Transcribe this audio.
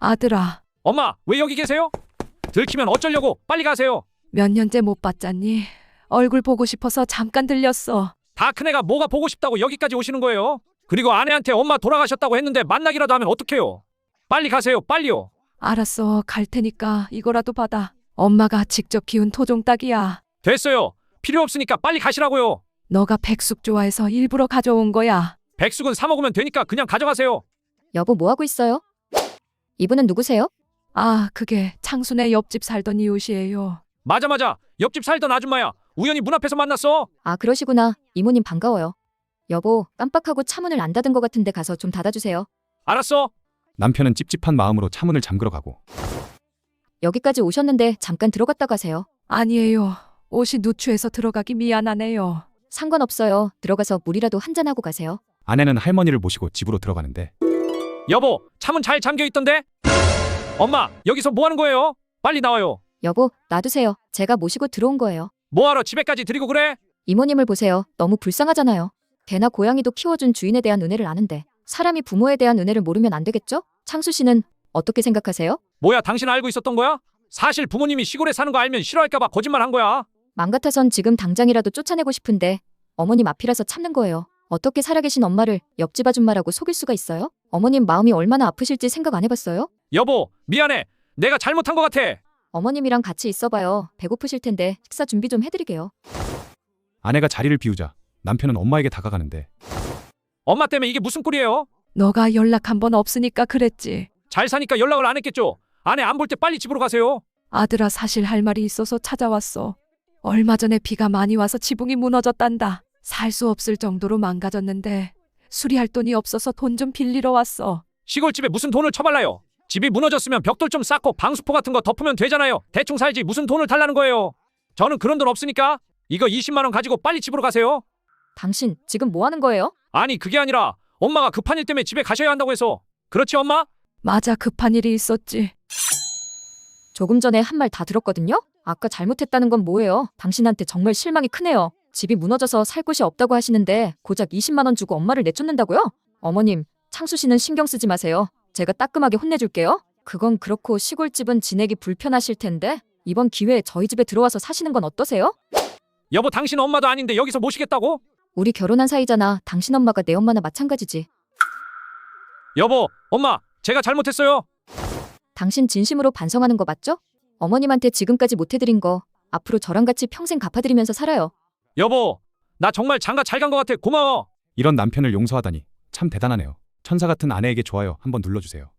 아들아, 엄마, 왜 여기 계세요? 들키면 어쩌려고? 빨리 가세요. 몇 년째 못 봤잖니? 얼굴 보고 싶어서 잠깐 들렸어. 다 큰애가 뭐가 보고 싶다고 여기까지 오시는 거예요? 그리고 아내한테 엄마 돌아가셨다고 했는데 만나기라도 하면 어떡해요? 빨리 가세요, 빨리요. 알았어, 갈 테니까 이거라도 받아. 엄마가 직접 키운 토종 닭이야. 됐어요. 필요 없으니까 빨리 가시라고요. 너가 백숙 좋아해서 일부러 가져온 거야. 백숙은 사 먹으면 되니까 그냥 가져가세요. 여보, 뭐 하고 있어요? 이분은 누구세요? 아, 그게 창순의 옆집 살던 이웃이에요. 맞아. 옆집 살던 아줌마야. 우연히 문 앞에서 만났어. 아, 그러시구나. 이모님 반가워요. 여보, 깜빡하고 차문을 안 닫은 것 같은데 가서 좀 닫아주세요. 알았어. 남편은 찝찝한 마음으로 차문을 잠그러 가고 여기까지 오셨는데 잠깐 들어갔다 가세요. 아니에요. 옷이 누추해서 들어가기 미안하네요. 상관없어요. 들어가서 물이라도 한잔하고 가세요. 아내는 할머니를 모시고 집으로 들어가는데 여보, 차문 잘 잠겨 있던데? 엄마, 여기서 뭐 하는 거예요? 빨리 나와요. 여보, 놔두세요. 제가 모시고 들어온 거예요. 뭐하러 집에까지 데리고 그래? 이모님을 보세요. 너무 불쌍하잖아요. 개나 고양이도 키워준 주인에 대한 은혜를 아는데 사람이 부모에 대한 은혜를 모르면 안 되겠죠? 창수 씨는 어떻게 생각하세요? 뭐야, 당신 알고 있었던 거야? 사실 부모님이 시골에 사는 거 알면 싫어할까봐 거짓말 한 거야. 맘 같아선 지금 당장이라도 쫓아내고 싶은데 어머님 앞이라서 참는 거예요. 어떻게 살아계신 엄마를 옆집 아줌마라고 속일 수가 있어요? 어머님 마음이 얼마나 아프실지 생각 안 해봤어요? 여보, 미안해. 내가 잘못한 것 같아. 어머님이랑 같이 있어봐요. 배고프실 텐데 식사 준비 좀 해드리게요. 아내가 자리를 비우자 남편은 엄마에게 다가가는데 엄마 때문에 이게 무슨 꼴이에요? 너가 연락 한 번 없으니까 그랬지. 잘 사니까 연락을 안 했겠죠? 아내 안 볼 때 빨리 집으로 가세요. 아들아, 사실 할 말이 있어서 찾아왔어. 얼마 전에 비가 많이 와서 지붕이 무너졌단다. 살 수 없을 정도로 망가졌는데 수리할 돈이 없어서 돈 좀 빌리러 왔어. 시골집에 무슨 돈을 쳐발라요? 집이 무너졌으면 벽돌 좀 쌓고 방수포 같은 거 덮으면 되잖아요. 대충 살지 무슨 돈을 달라는 거예요. 저는 그런 돈 없으니까 이거 20만 원 가지고 빨리 집으로 가세요. 당신 지금 뭐 하는 거예요? 아니, 그게 아니라 엄마가 급한 일 때문에 집에 가셔야 한다고 해서. 그렇지, 엄마? 맞아, 급한 일이 있었지. 조금 전에 한 말 다 들었거든요? 아까 잘못했다는 건 뭐예요? 당신한테 정말 실망이 크네요. 집이 무너져서 살 곳이 없다고 하시는데 고작 20만 원 주고 엄마를 내쫓는다고요? 어머님, 창수 씨는 신경 쓰지 마세요. 제가 따끔하게 혼내줄게요. 그건 그렇고 시골집은 지내기 불편하실 텐데 이번 기회에 저희 집에 들어와서 사시는 건 어떠세요? 여보, 당신 엄마도 아닌데 여기서 모시겠다고? 우리 결혼한 사이잖아. 당신 엄마가 내 엄마나 마찬가지지. 여보, 엄마, 제가 잘못했어요. 당신 진심으로 반성하는 거 맞죠? 어머님한테 지금까지 못 해드린 거 앞으로 저랑 같이 평생 갚아드리면서 살아요. 여보, 나 정말 장가 잘 간 것 같아. 고마워. 이런 남편을 용서하다니 참 대단하네요. 천사 같은 아내에게 좋아요 한번 눌러주세요.